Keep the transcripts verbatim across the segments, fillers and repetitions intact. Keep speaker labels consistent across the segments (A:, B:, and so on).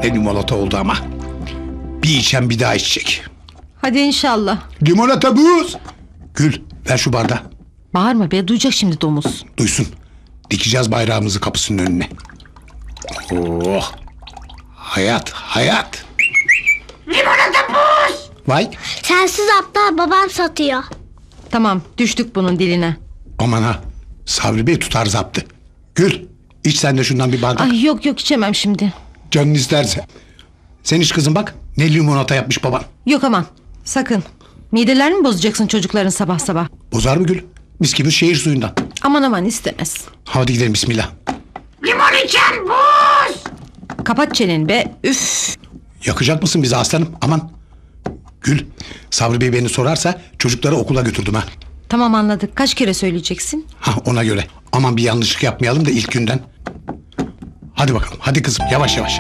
A: Ne limonata oldu ama. Bir içen bir daha içecek.
B: Hadi inşallah.
A: Limonata buz. Gül ver şu bardağı.
B: Bağırma be, duyacak şimdi domuz.
A: Duysun. Dikeceğiz bayrağımızı kapısının önüne. Oh. Hayat, hayat.
C: Limonata buz.
A: Vay.
C: Sensiz aptal babam satıyor.
B: Tamam, düştük bunun diline.
A: Aman ha. Sabri Bey tutar zaptı. Gül iç sen de şundan bir bardak.
B: Ay yok yok, içemem şimdi.
A: Canın isterse. Sen iç kızım bak. Ne limonata yapmış baban.
B: Yok aman, sakın. Midelerini mi bozacaksın çocukların sabah sabah?
A: Bozar mı Gül? Mis gibi şehir suyundan.
B: Aman aman, istemez.
A: Hadi gidelim bismillah.
C: Limon içen buz.
B: Kapat çeneni be, üf.
A: Yakacak mısın bizi aslanım? Aman. Gül Sabri Bey beni sorarsa çocukları okula götürdüm ha.
B: Tamam, anladık. Kaç kere söyleyeceksin?
A: Ha ona göre. Aman bir yanlışlık yapmayalım da ilk günden. Hadi bakalım. Hadi kızım yavaş yavaş.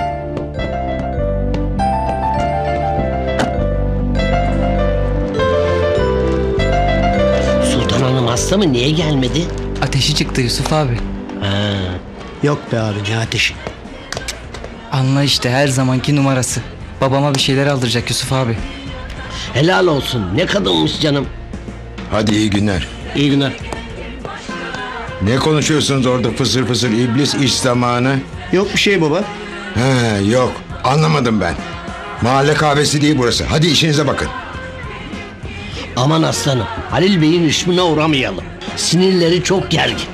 D: Sultan Hanım hasta mı? Niye gelmedi?
E: Ateşi çıktı Yusuf abi.
D: Ha.
F: Yok be abi, ne ateşi.
E: Anla işte, her zamanki numarası. Babama bir şeyler aldıracak Yusuf abi.
D: Helal olsun. Ne kadınmış canım.
G: Hadi iyi günler.
D: İyi günler.
G: Ne konuşuyorsunuz orada fısır fısır iblis iş zamanı?
F: Yok bir şey baba.
G: He yok anlamadım ben. Mahalle kahvesi değil burası. Hadi işinize bakın.
D: Aman aslanım. Halil Bey'in rüşmüne uğramayalım. Sinirleri çok gergin.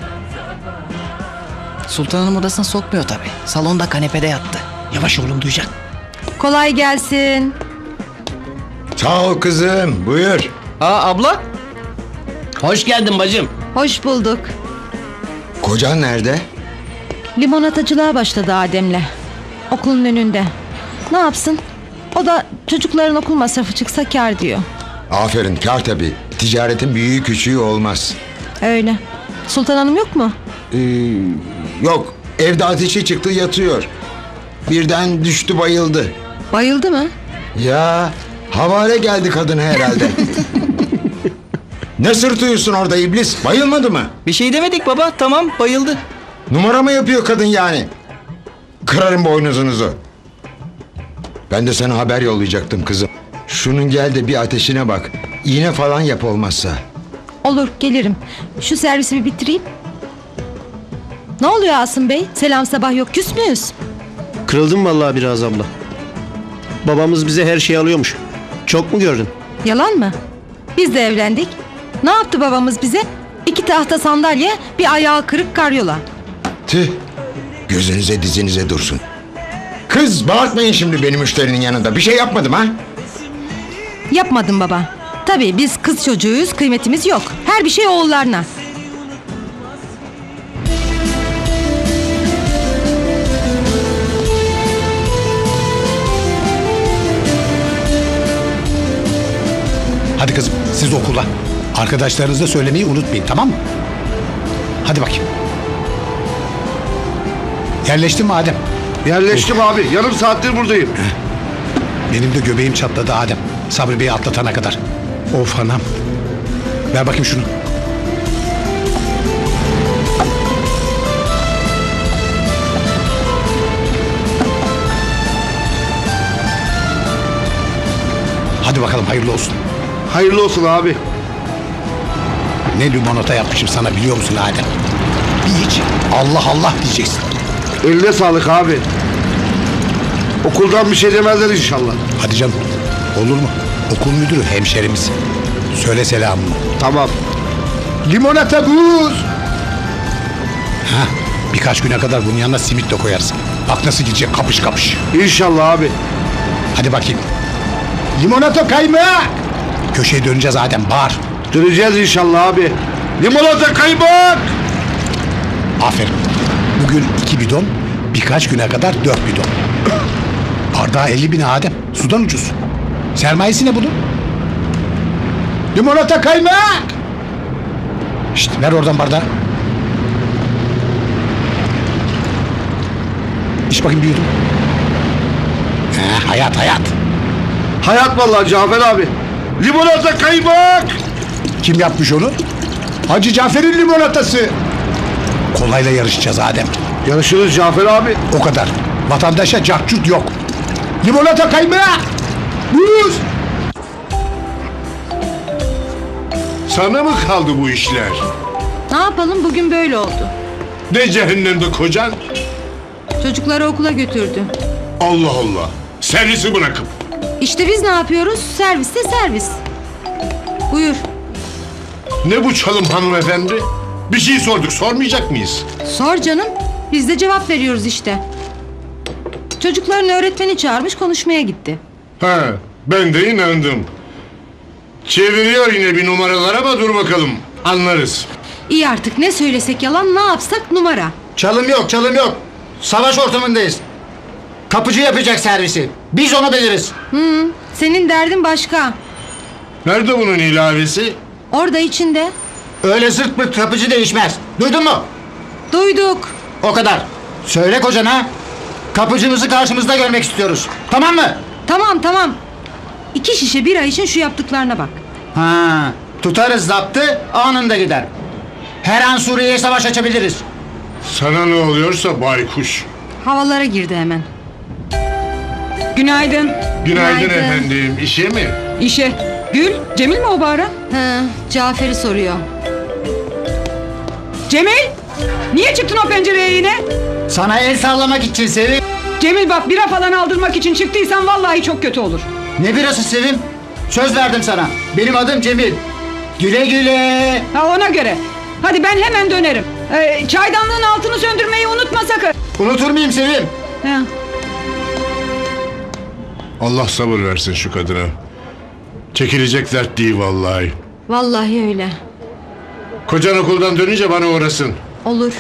E: Sultan Hanım odasına sokmuyor tabii. Salonda kanepede yattı.
D: Yavaş oğlum, duyacak.
B: Kolay gelsin.
G: Sağ ol kızım buyur.
E: Aa abla.
D: Hoş geldin bacım.
B: Hoş bulduk.
G: Kocan nerede?
B: Limonatacılığa başladı Adem'le. Okulun önünde. Ne yapsın? O da çocukların okul masrafı çıksa kâr diyor.
G: Aferin kar tabii. Ticaretin büyüğü küçüğü olmaz.
B: Öyle. Sultan Hanım yok mu?
G: Ee, yok evde ateşi çıktı yatıyor. Birden düştü bayıldı.
B: Bayıldı mı?
G: Ya havale geldi kadın herhalde. Ne sırtıyorsun orada iblis? Bayılmadı mı?
E: Bir şey demedik baba, tamam, bayıldı.
G: Numara mı yapıyor kadın yani? Kırarım boynuzunuzu. Ben de sana haber yollayacaktım kızım. Şunun gel de bir ateşine bak. İğne falan yap olmazsa.
B: Olur, gelirim. Şu servisi bir bitireyim. Ne oluyor Asım Bey? Selam sabah yok, küs müyüz?
F: Kırıldım vallahi biraz abla. Babamız bize her şeyi alıyormuş. Çok mu gördün?
B: Yalan mı? Biz de evlendik. Ne yaptı babamız bize? İki tahta sandalye, bir ayağı kırık karyola.
G: Tüh. Gözünüze dizinize dursun. Kız bağırtmayın şimdi benim müşterinin yanında. Bir şey yapmadım ha?
B: Yapmadım baba. Tabii biz kız çocuğuyuz, kıymetimiz yok. Her bir şey oğullarına.
A: Hadi kızım siz okula. Arkadaşlarınıza söylemeyi unutmayın tamam mı? Hadi bakayım. Yerleştin mi Adem?
H: Yerleştim abi. Yarım saattir buradayım.
A: Benim de göbeğim çatladı Adem. Sabri Bey'i atlatana kadar. Of anam. Ver bakayım şunu. Hadi bakalım hayırlı olsun.
H: Hayırlı olsun abi.
A: Ne limonata yapmışım sana biliyor musun Adem? Bir iç. Allah Allah diyeceksin.
H: Eline sağlık abi. Okuldan bir şey demezler inşallah.
A: Hadi canım. Olur mu? Okul müdürü hemşerimiz. Söyle selamımı.
H: Tamam.
A: Limonata buz. Ha, birkaç güne kadar bunun yanına simit de koyarsın. Bak nasıl gidecek kapış kapış.
H: İnşallah abi.
A: Hadi bakayım. Limonata kaymak. Köşeye döneceğiz Adem bağır.
H: Döneceğiz inşallah abi. Limonata kaymak.
A: Aferin. Bugün iki bidon, birkaç güne kadar dört bidon. Bardağı elli bin Adem. Sudan ucuz. Sermayesi ne bunun? Limonata kaymak. Şşt ver oradan bardağı. İç bakayım bir yudum. He, hayat hayat.
H: Hayat vallahi Cafer abi. Limonata kaymak.
A: Kim yapmış onu? Hacı Cafer'in limonatası. Kolayla yarışacağız Adem.
H: Yarışırız Cafer abi.
A: O kadar. Vatandaşa cahçurt yok. Limonata kaymak. Buz.
H: Sana mı kaldı bu işler?
B: Ne yapalım, bugün böyle oldu.
H: Ne cehennemde kocan?
B: Çocukları okula götürdü.
H: Allah Allah. Servisi bırakıp.
B: İşte biz ne yapıyoruz? Serviste servis. Buyur.
H: Ne bu çalım hanımefendi? Bir şey sorduk, sormayacak mıyız?
B: Sor canım. Biz de cevap veriyoruz işte. Çocukların öğretmeni çağırmış, konuşmaya gitti.
H: Ha, ben de inandım. Çeviriyor yine bir numaralar ama dur bakalım. Anlarız.
B: İyi artık, ne söylesek yalan, ne yapsak numara.
I: Çalım yok, çalım yok. Savaş ortamındayız. Kapıcı yapacak servisi. Biz onu biliriz.
B: Hı, senin derdin başka.
H: Nerede bunun ilavesi?
B: Orada içinde.
I: Öyle zırt pırt kapıcı değişmez. Duydun mu?
B: Duyduk.
I: O kadar. Söyle kocana. Kapıcımızı karşımızda görmek istiyoruz. Tamam mı?
B: Tamam tamam. İki şişe bira için şu yaptıklarına bak.
I: Ha, tutarız zaptı, anında gider. Her an Suriye'ye savaş açabiliriz.
H: Sana ne oluyorsa baykuş.
B: Havalara girdi hemen.
J: Günaydın.
H: Günaydın,
B: Günaydın.
H: efendim. İşe mi?
J: İşe. Gül, Cemil mi o bağıran?
B: He, Cafer'i soruyor.
J: Cemil! Niye çıktın o pencereye yine?
I: Sana el sallamak için Sevim.
J: Cemil bak, bira falan aldırmak için çıktıysan vallahi çok kötü olur.
I: Ne birası Sevim? Söz verdim sana. Benim adım Cemil. Güle güle.
J: Ha, ona göre. Hadi ben hemen dönerim. Ee, çaydanlığın altını söndürmeyi unutma sakın.
I: Unutur muyum Sevim?
J: Ha.
H: Allah sabır versin şu kadına. Çekilecek dert değil vallahi.
B: Vallahi öyle.
H: Kocan okuldan dönünce bana uğrasın.
B: Olur.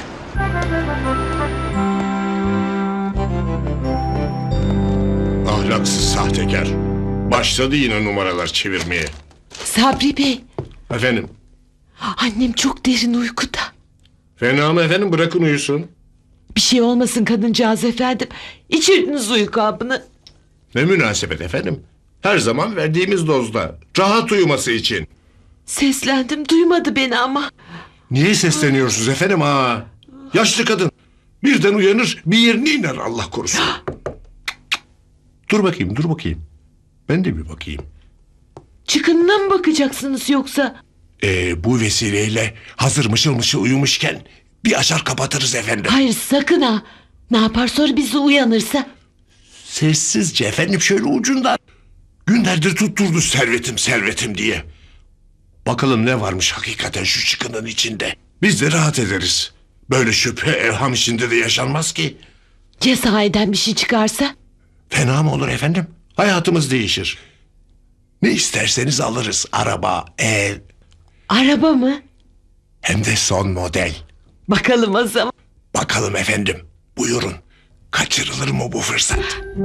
H: Ahlaksız sahtekar. Başladı yine numaralar çevirmeye.
K: Sabri Bey,
H: Efendim?
K: annem çok derin uykuda.
H: Fena mı efendim? Bırakın uyusun.
K: Bir şey olmasın kadıncağız efendim. İçirdiniz uyku hapını.
H: Ne münasebet efendim? Her zaman verdiğimiz dozda. Rahat uyuması için.
K: Seslendim, duymadı beni ama.
H: Niye sesleniyorsunuz efendim ha? Yaşlı kadın. Birden uyanır, bir yerine iner Allah korusun. Dur bakayım, dur bakayım. Ben de bir bakayım.
K: Çıkınına mı bakacaksınız yoksa?
H: Ee, bu vesileyle hazır mışıl mışıl uyumuşken bir açar kapatırız efendim.
K: Hayır sakın ha. Ne yapar sonra bizi uyanırsa?
H: Sessizce efendim, şöyle ucundan. Günlerdir tutturdu servetim servetim diye. Bakalım ne varmış hakikaten şu çıkının içinde. Biz de rahat ederiz. Böyle şüphe evham içinde de yaşanmaz ki.
K: Ya sahiden bir şey çıkarsa?
H: Fena mı olur efendim? Hayatımız değişir. Ne isterseniz alırız. Araba, ev.
K: Araba mı?
H: Hem de son model.
K: Bakalım o zaman.
H: Bakalım efendim. Buyurun. Kaçırılır mı bu fırsat?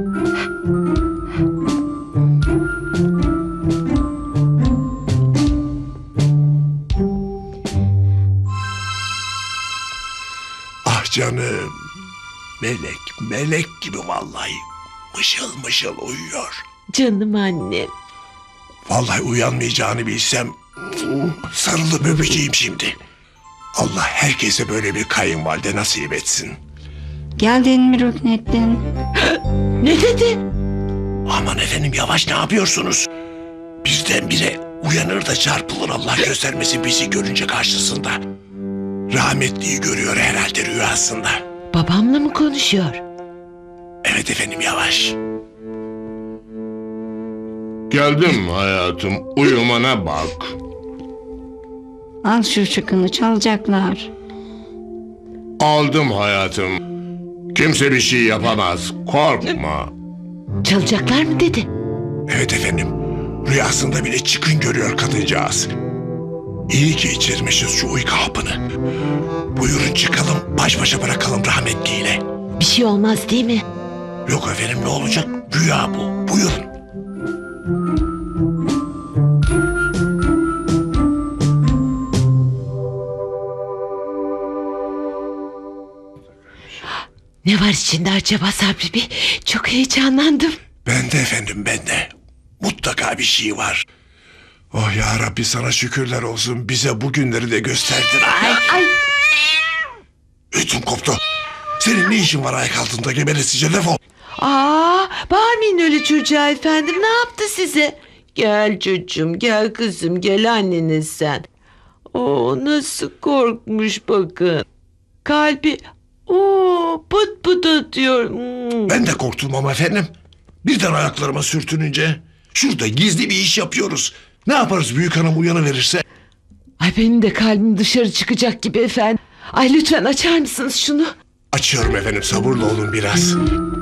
H: Ah canım. Melek, melek gibi vallahi. Mışıl mışıl uyuyor.
K: Canım annem.
H: Vallahi uyanmayacağını bilsem sarılıp öpeceğim şimdi. Allah herkese böyle bir kayınvalide nasip etsin.
C: Geldin mi Rüknettin?
K: Ne dedi?
H: Aman efendim, yavaş, ne yapıyorsunuz? Birdenbire uyanır da çarpılır, Allah göstermesin bizi görünce karşısında. Rahmetliyi görüyor herhalde rüyasında.
K: Babamla mı konuşuyor?
H: Evet efendim, yavaş. Geldim hayatım, uyumana bak.
C: Al şu çıkını, çalacaklar.
H: Aldım hayatım. Kimse bir şey yapamaz, korkma.
K: Çalacaklar mı dedi?
H: Evet efendim, rüyasında bile çıkın görüyor kadıncağız. İyi ki içirmişiz şu uyku hapını. Buyurun çıkalım, baş başa bırakalım rahmetliyle.
K: Bir şey olmaz değil mi?
H: Yok efendim, ne olacak? Rüya bu, buyurun.
K: Ne var içinde acaba Sabri Bey? Çok heyecanlandım.
H: Ben de efendim, ben de. Mutlaka bir şey var. Oh ya Rabbi, sana şükürler olsun, bize bu günleri de gösterdin.
K: Ay, ay.
H: Ötüm koptu. Senin ne işin var ayak altında geberesice, defol.
K: Aa, Aa, bağırmayın öyle çocuğa efendim. Ne yaptı size? Gel çocuğum, gel kızım, gel anneniz sen. Oo, nasıl korkmuş bakın. Kalbi oo pıt pıt atıyor. Hmm.
H: Ben de korktum ama efendim. Birden ayaklarıma sürtününce. Şurada gizli bir iş yapıyoruz. Ne yaparız büyük hanım uyanıverirse?
K: Ay benim de kalbim dışarı çıkacak gibi efendim. Ay lütfen açar mısınız şunu?
H: Açıyorum efendim, sabırlı olun biraz.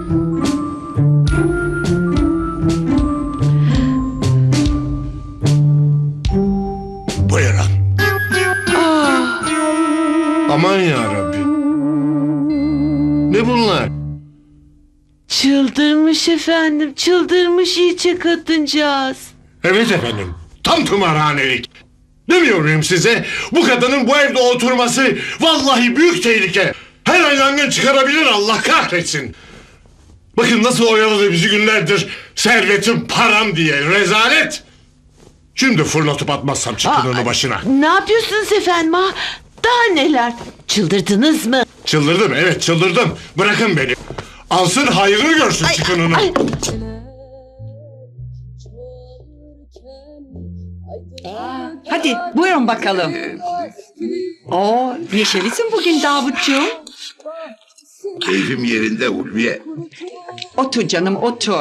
H: Buyurun. Aman yarabbi. Ne bunlar?
K: Çıldırmış efendim, çıldırmış iyice kadıncağız.
H: Evet efendim, tam tımarhanelik. Demiyor muyum size? Bu kadının bu evde oturması vallahi büyük tehlike. Her an yangın çıkarabilir, Allah kahretsin. Bakın nasıl oyaladı bizi günlerdir. Servetim, param diye rezalet. Şimdi fırlatıp atmazsam çıkın onu başına.
K: Ne yapıyorsunuz efendim ha? Daha neler? Çıldırdınız mı?
H: Çıldırdım, evet çıldırdım. Bırakın beni. Alsın hayrını görsün çıkınını.
K: Ay.
J: Hadi buyurun bakalım. Oo, neşelisin bugün Davutcuğum.
H: Keyfim yerinde Ulviye.
J: Otur canım otur.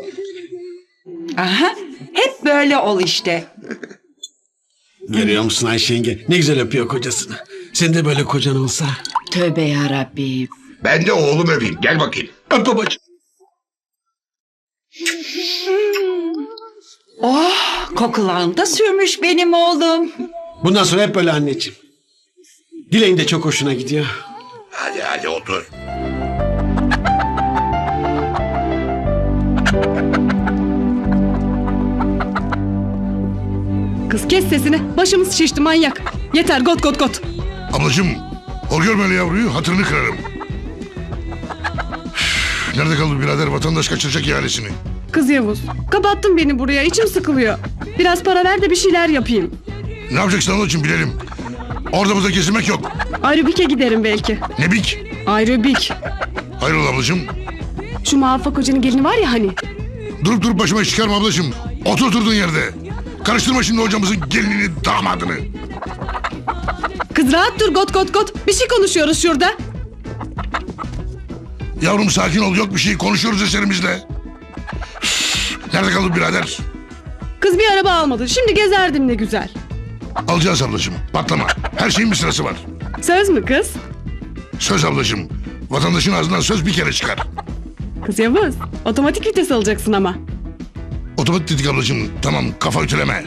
J: Aha, hep böyle ol işte.
A: Görüyor musun Ayşe yenge? Ne güzel öpüyor kocasını. Senin de böyle kocan olsa.
J: Tövbe yarabbi.
H: Ben de oğlum öpeyim, gel bakayım.
A: Öp babacığım.
J: Oh, kokularını da sürmüş benim oğlum.
A: Bundan sonra hep böyle anneciğim. Dileğin de çok hoşuna gidiyor.
H: Hadi hadi otur.
J: Kız kes sesini. Başımız şişti manyak. Yeter got got got.
H: Ablacığım, o görmeli yavruyu, hatırını kırarım. Üf, nerede kaldı birader, vatandaş kaçıracak ihalesini?
J: Kız Yavuz, kapattın beni buraya. İçim sıkılıyor. Biraz para ver de bir şeyler yapayım.
H: Ne yapacaksın ablacığım bilelim. Orada burada kesilmek yok.
J: Aerobik'e giderim belki.
H: Ne bik?
J: Aerobik.
H: Hayrola ablacığım?
J: Şu Muvaffak Hoca'nın gelini var ya hani.
H: Durup durup başıma iş çıkarma ablacığım. Otur oturduğun yerde. Karıştırma şimdi hocamızın gelinini, damadını.
J: Kız rahat dur got got got. Bir şey konuşuyoruz şurada.
H: Yavrum sakin ol, yok bir şey, konuşuyoruz eserimizle. Üf, nerede kaldı birader?
J: Kız bir araba almadı. Şimdi gezerdim ne güzel.
H: Alacağız ablacığım, patlama. Her şeyin bir sırası var.
J: Söz mü kız?
H: Söz ablacığım. Vatandaşın ağzından söz bir kere çıkar.
J: Kız Yavuz, otomatik vites alacaksın ama.
H: Otomatik dedik ablacığım. Tamam, kafa ütüleme.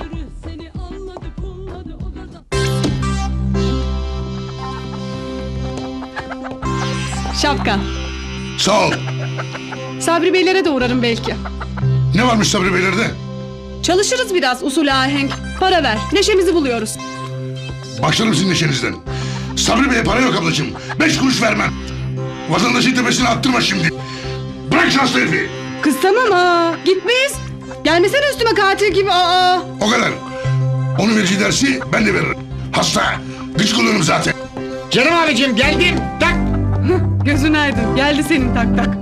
J: Şapka.
H: Sağ ol.
J: Sabri Beylere de uğrarım belki.
H: Ne varmış Sabri Beylerde?
J: Çalışırız biraz usul ahenk. Para ver, neşemizi buluyoruz.
H: Başlarım sizin neşenizden. Sabri Bey'e para yok ablacığım. Beş kuruş vermem. Vatandaşın tepesine attırma şimdi. Bırak şanslı herifi.
J: Kız tamam ha, gitmeyiz. Gelmesene üstüme katil gibi aa.
H: O kadar. Onun verici dersi ben de veririm. Hasta. Gıcık oluyorum zaten.
I: Canım abicim geldim. Tak.
J: Gözün aydın, geldi senin tak tak.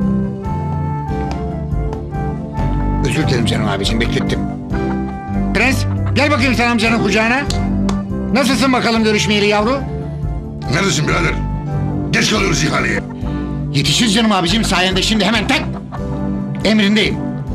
I: Özür dilerim canım abicim, beklettim. Prens, gel bakayım sen amcanın kucağına. Nasılsın bakalım görüşmeyeli yavru?
H: Neredesin birader? Geç kalıyoruz ihaleye.
I: Yetişiriz canım abicim, sayende şimdi hemen tak. Emrindeyim.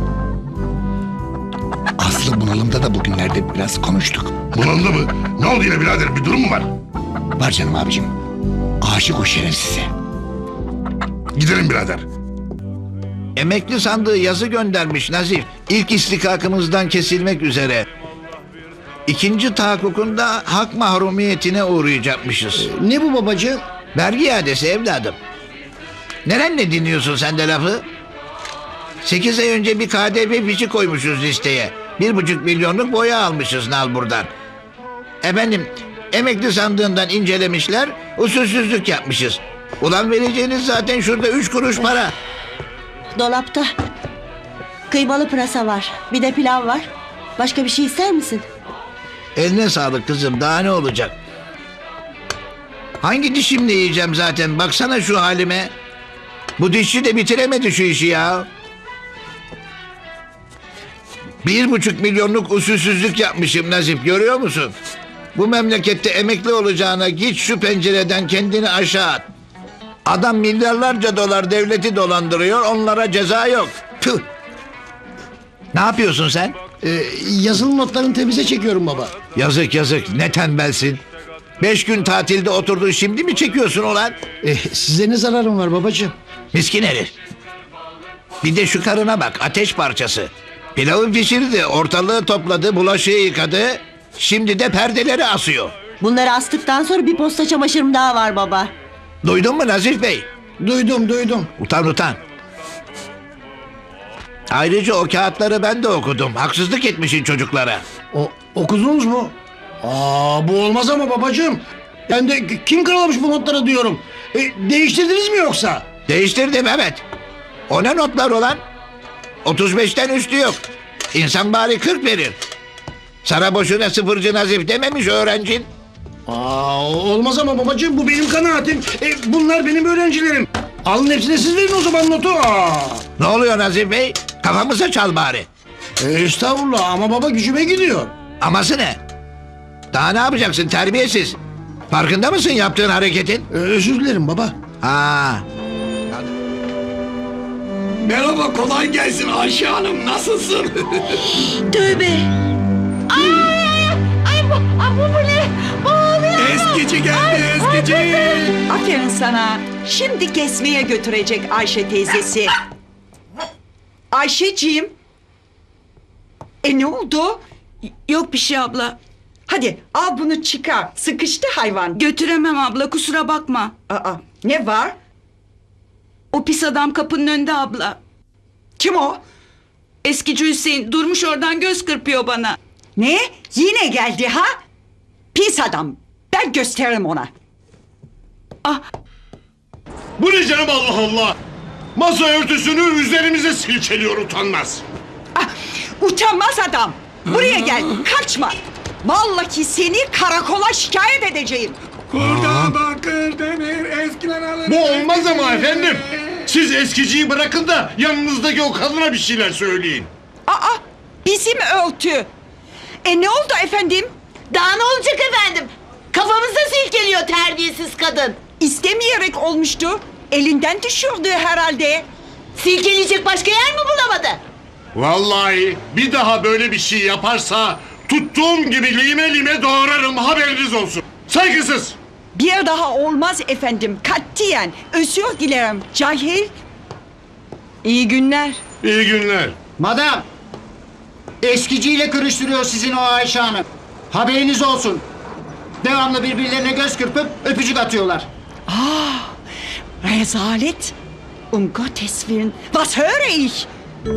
I: Aslı bunalımda da bugünlerde biraz konuştuk.
H: Bunalımda mı? Ne oldu yine birader? Bir durum mu var?
I: Var canım abicim. Aşık o şerefsize.
H: Gidelim birader.
L: Emekli sandığı yazı göndermiş Nazif. İlk istikakımızdan kesilmek üzere. İkinci tahakkukunda hak mahrumiyetine uğrayacakmışız.
F: Ne bu babacığım?
L: Vergi iadesi evladım. Nerenle dinliyorsun sen de lafı? Sekiz ay önce bir K D V fişi koymuşuz listeye. Bir buçuk milyonluk boya almışız nal buradan. Efendim, emekli sandığından incelemişler, usulsüzlük yapmışız. Ulan vereceğiniz zaten şurada üç kuruş para.
M: Dolapta kıymalı pırasa var. Bir de pilav var. Başka bir şey ister misin?
L: Eline sağlık kızım, daha ne olacak? Hangi dişimle yiyeceğim zaten, baksana şu halime. Bu dişçi de bitiremedi şu işi ya. Bir buçuk milyonluk usulsüzlük yapmışım Nazif, görüyor musun? Bu memlekette emekli olacağına git şu pencereden kendini aşağı at. Adam milyarlarca dolar devleti dolandırıyor, onlara ceza yok. Tüh. Ne yapıyorsun sen?
F: Ee, yazılı notlarını temize çekiyorum baba.
L: Yazık yazık, ne tembelsin. Beş gün tatilde oturdun, şimdi mi çekiyorsun ulan?
F: Ee, size ne zararım var babacığım?
L: Miskin herif. Bir de şu karına bak, ateş parçası. Pilavı pişirdi, ortalığı topladı, bulaşığı yıkadı. Şimdi de perdeleri asıyor.
M: Bunları astıktan sonra bir posta çamaşırım daha var baba.
L: Duydun mu Nazif Bey?
F: Duydum duydum.
L: Utan utan. Ayrıca o kağıtları ben de okudum. Haksızlık etmişsin çocuklara.
F: O, okudunuz mu? Aa, bu olmaz ama babacığım. Ben de kim karalamış bu notları diyorum. E, değiştirdiniz mi yoksa?
L: Değiştirdim evet. O ne notlar olan? otuz beşten üstü yok. İnsan bari kırk verir. Sana boşuna sıfırcı Nazif dememiş öğrencin.
F: Aa, olmaz ama babacığım, bu benim kanaatim. E, bunlar benim öğrencilerim. Alın hepsine siz verin o zaman notu. Aa.
L: Ne oluyor Nazif Bey? Kafamıza çal bari.
F: E, estağfurullah ama baba gücüme gidiyor.
L: Aması ne? Daha ne yapacaksın terbiyesiz? Farkında mısın yaptığın hareketin?
F: E, özür dilerim baba.
L: Ha.
H: Merhaba, kolay gelsin Ayşe Hanım, nasılsın?
K: Tövbe. Ay, ay bu, ay bu, bu ne? Bu ne?
H: Eskici geldi, eskici.
J: Aferin sana. Şimdi kesmeye götürecek Ayşe teyzesi. Ayşeciğim. E ne oldu?
K: Yok bir şey abla.
J: Hadi al bunu çıkar. Sıkıştı hayvan.
K: Götüremem abla, kusura bakma.
J: Aa, ne var?
K: O pis adam kapının önünde abla.
J: Kim o?
K: Eskici Hüseyin durmuş oradan göz kırpıyor bana.
J: Ne? Yine geldi ha? Pis adam. Ben gösteririm ona.
K: Ah,
H: Bu ne canım, Allah Allah. Masa örtüsünü üzerimize silkeliyor, utanmaz.
J: Ah, utanmaz adam. Buraya gel. Kaçma. Vallahi seni karakola şikayet edeceğim.
H: Kurda bakır demir eskiler alır. Bu olmaz ama efendim. Siz eskiciyi bırakın da yanınızdaki o kadına bir şeyler söyleyin.
J: Aa, bizim örtü. E ne oldu efendim?
K: daha ne olacak efendim? Kafamıza silkeliyor terbiyesiz kadın.
J: İstemeyerek olmuştu. Elinden düşürdü herhalde.
K: Silkeleyecek başka yer mi bulamadı?
H: Vallahi bir daha böyle bir şey yaparsa tuttuğum gibi lime lime doğrarım, haberiniz olsun. Saygısız.
J: Bir daha olmaz efendim. Katiyen. Özür dilerim. Cahil. İyi günler.
H: İyi günler.
I: Madam. Eskiciyle karıştırıyor sizin o Ayşe Hanım. Haberiniz olsun. Devamlı birbirlerine göz kırpıp öpücük atıyorlar.
J: Ah, rezalet. Um Gottes Willen. Was höre ich?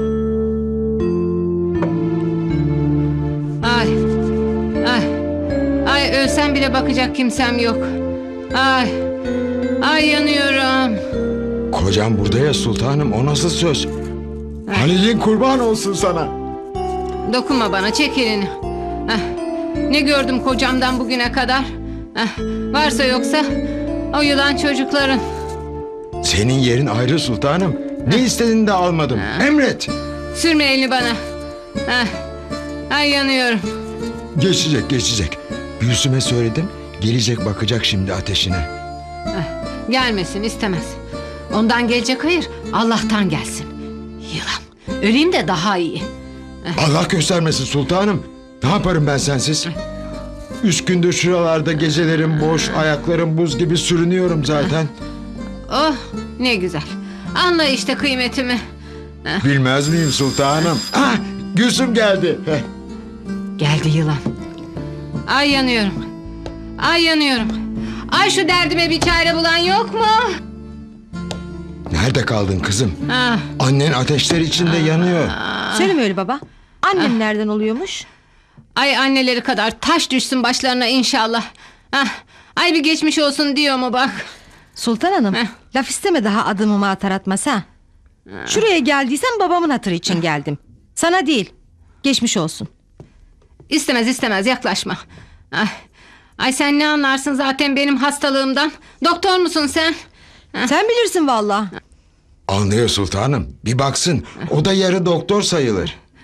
N: Ay, ay, ay ölsem bile bakacak kimsem yok. Ay, ay yanıyorum.
G: Kocam burada ya sultanım, o nasıl söz? Halil'in kurban olsun sana.
N: Dokunma bana, çek elini. Ah, ne gördüm kocamdan bugüne kadar? Ah, varsa yoksa o yılan çocukların.
G: Senin yerin ayrı sultanım. Ne istediğini de almadım. Emret.
N: Sürme elini bana. Ah, ay yanıyorum.
G: Geçecek geçecek. Gülsüm'e söyledim. Gelecek, bakacak şimdi ateşine.
N: Ah, gelmesin, istemez. Ondan gelecek hayır, Allah'tan gelsin. Yılan. Öleyim de daha iyi.
G: Allah göstermesin sultanım. Ne yaparım ben sensiz? Üç gündür şuralarda gecelerim boş, ayaklarım buz gibi sürünüyorum zaten.
N: Oh, ne güzel. Anla işte kıymetimi.
G: Bilmez miyim sultanım? Ah, Gülsüm geldi. Heh.
N: Geldi yılan. Ay yanıyorum. Ay yanıyorum. Ay şu derdime bir çare bulan yok mu?
G: Nerede kaldın kızım?
N: Ah.
G: Annen ateşler içinde yanıyor.
B: Söyleme öyle baba. Annem nereden oluyormuş?
N: Ay anneleri kadar taş düşsün başlarına inşallah. Ah, ay bir geçmiş olsun diyor mu bak.
B: Sultan Hanım,
N: Heh.
B: laf isteme daha adımımı atar atmaz ha. Şuraya geldiysem babamın hatırı için geldim. Sana değil. Geçmiş olsun.
N: İstemez istemez yaklaşma. Ay, ay sen ne anlarsın zaten benim hastalığımdan? Doktor musun sen?
B: Sen bilirsin vallahi.
G: Anlıyor sultanım. Bir baksın. O da yarı doktor sayılır.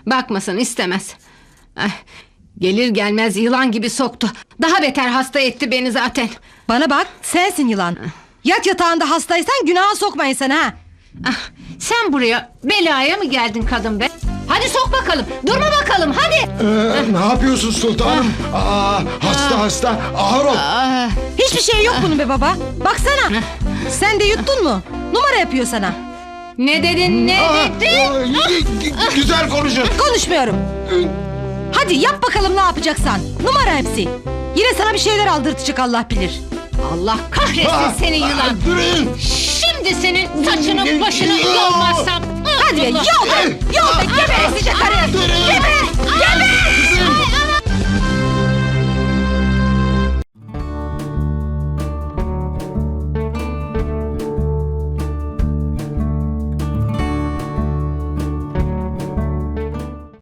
N: Bakmasın istemez. Ah, gelir gelmez yılan gibi soktu. Daha beter hasta etti beni zaten.
B: Bana bak, sensin yılan. Yat yatağında hastaysan günaha sokma insanı ha.
N: Ah, sen buraya belaya mı geldin kadın be? Hadi sok bakalım. Durma bakalım hadi.
G: Ee, ne yapıyorsun sultanım? Aa, hasta hasta ağır ol.
N: Ah,
B: Hiçbir şey yok bunun be baba. Baksana. Sen de yuttun mu? Numara yapıyor sana.
N: ne dedin ne
G: Aa,
N: dedin?
G: aa, g- g- güzel konuşun.
B: Konuşmuyorum. Hadi yap bakalım ne yapacaksan. Numara hepsi. Yine sana bir şeyler aldırtacak Allah bilir.
N: Allah kahretsin
G: Aa,
N: seni yılan.
G: aa, durun.
N: Şimdi senin saçını başını yolmazsam.
B: Hadi be yol be. Yol be geberesice karı.